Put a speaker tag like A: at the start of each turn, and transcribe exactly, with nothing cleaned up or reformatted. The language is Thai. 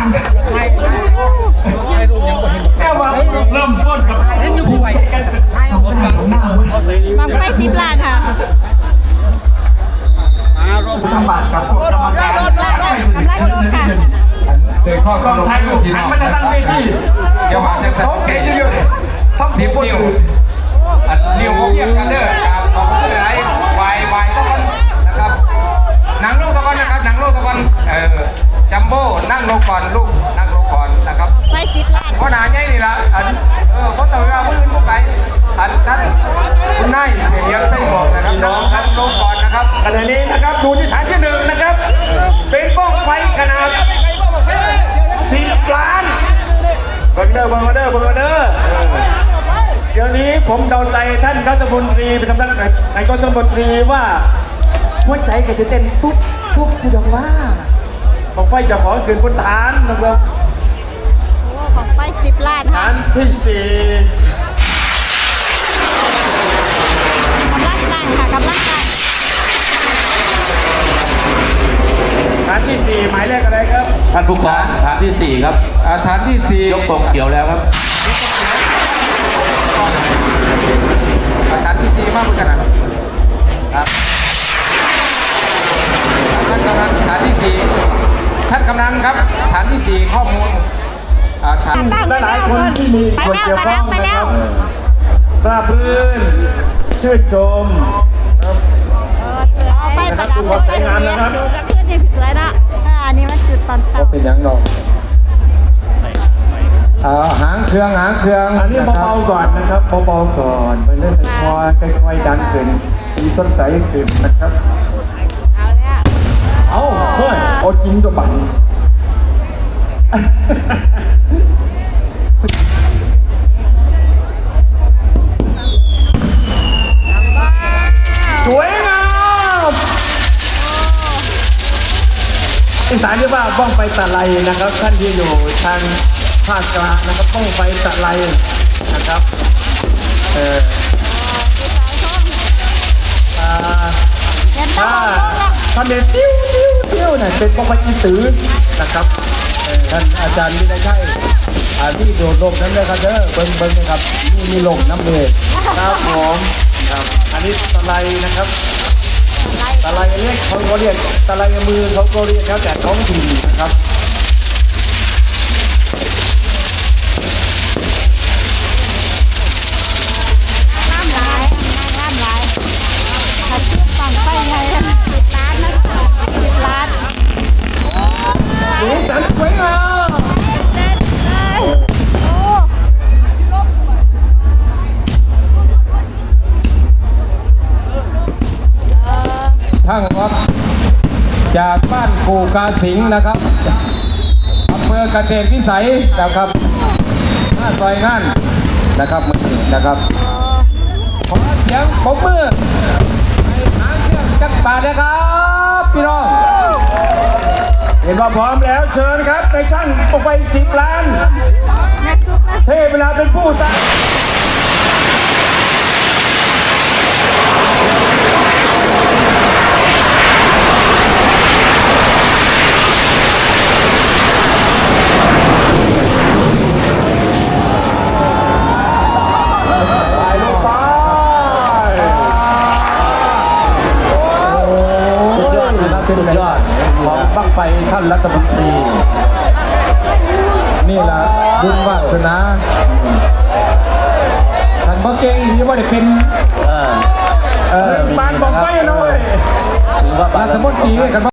A: แค่ว่าเริ่มต้นกับผูกใจกัน
B: บังไฟสิบล้านค่ะ
A: ทำบาตรกับกรรมการกำลังดูค่ะ
C: เด็กข้อกองไทยลูกหันมาจะตั้งเวทีเดี๋ยวมาจะโอเคเยอะๆต้องนิ้วนิ้วนิ้วเขาเรียกกันเด้อครับขอบคุณหลายวายวายตะวันนะครับหนังลูกตะวันนะครับหนังลูกตะวันเออจัมโบ้นั่งลงก่อนลูกนั่งลงก่อนนะครับ
B: ไฟสิบล้าน
C: เพราะหนาใหญ่นี่ละอันเออเพราะตัวเราคนอื่นพวกไปอันนั้นคุณนายเดี๋ยวเต้นบอกนะครับน้องนั่งลงก่อนนะครับ
A: ขณะนี้นะครับดูที่ฐานที่หนึ่งนะครับเป็นบ้องไฟขนาดสิบล้านเบอร์เดอร์เบอร์เดอร์เบอร์เดอร์เดี๋ยวนี้ผมเดาใจท่านรัฐมนตรีประจำนายกรัฐมนตรีว่าหัวใจก็จะเต้นปุ๊บปุ๊บอยู่ดอกว่าบ้องไฟจะขอคืนบนฐานนะครับ
B: โอ้ของไฟสิบล้านค่ะ
A: ฐานที่สี่
B: กำลังตั้งค่ะกำลังตั้ง
A: ฐานที่สี่หมายเลขอะไรครับ
D: ท่านผู้กองฐานที่สี่ครับ
C: ฐานที่สี่
D: ยกตรงเขียวแล้วครับ
C: ฐานที่สี่มากเหมือนกันนะครับท่านกำนันฐานที่สี่ท่านกำนันครับฐานที่สี่ข้อมูลฐาน
A: หลายๆคนที่มีส่วนเกี่ยวข้องนะครับทราบรื่นชื่นชมครับ
B: เอาไฟประดับเป็นไฟสีดูกับเพื่อนยังสวยนะอ่าอันนี้มันจุดตอนตั้ง
C: เป็นยังนองหางเครื่องหางเครื่อง
A: อันนี้เบาๆก่อนนะครับเบาๆก่อนไปเรื่อยๆค่อยๆดันขึ้นมีต้นสายขึ้นนะครับ
B: เอาแล้ว
A: เอาเฮ้ยเอาจริงตัวบังสวยงามอีสานเรียกว่าบ้องไฟตะไลนะครับท่านที่อยู่ทางภาคกลางนะครับบ้องไฟตะไลนะครับเอออ่า
B: เย็น
A: ถ้า
B: ตา
A: ท่านเดินติ้วติ้วติ้วเนี่ยเป็นบ้องไฟอีตือนะครับเออท่านอาจารย์วินัยชัยอ่าที่โดดลมนั้นเลยครับเด้อเบิ้งเบิ้งนะครับนี่มีลมน้ำเลยครับผมครับอันนี้ตะไลนะครับตะไลเรียกเขาก็เรียกตะไลมือเขาก็เรียกแล้วแต่ท้องถิ่นนะครับ
B: น้ำลายน้ำลายถ้าชื่อฟังไฟไงสิบล้านนะสิบล้าน
A: สีสันสวยงาม
B: เด็ดเลยโอ้
C: ทั้งครับจากบ้านปู่กาสิงห์นะครับอำเภอเกษตรวิสัยนะครับหน้าซอยงานนะครับมือนะครับขอเสียงปรบมือให้หางเครื่องจักรบาทนะครับพี่น้อง
A: เห็นว่าพร้อมแล้วเชิญครับในช่างออกไปสิบล้าน
B: แม่ซุปนะ
A: เทเวลาเป็นผู้สร้าง
D: สุดยอดนะครับสุดยอดของบั้งไฟท่านรัฐมนตรี
C: นี่แหละบุญวาสนาท่านบ่เก่งที่ว่าได้เป็น
D: เออ
C: เอ่อ
A: บ้านบอกไม่หน่อย
D: ถือว่า
C: รัฐมนตรีกัน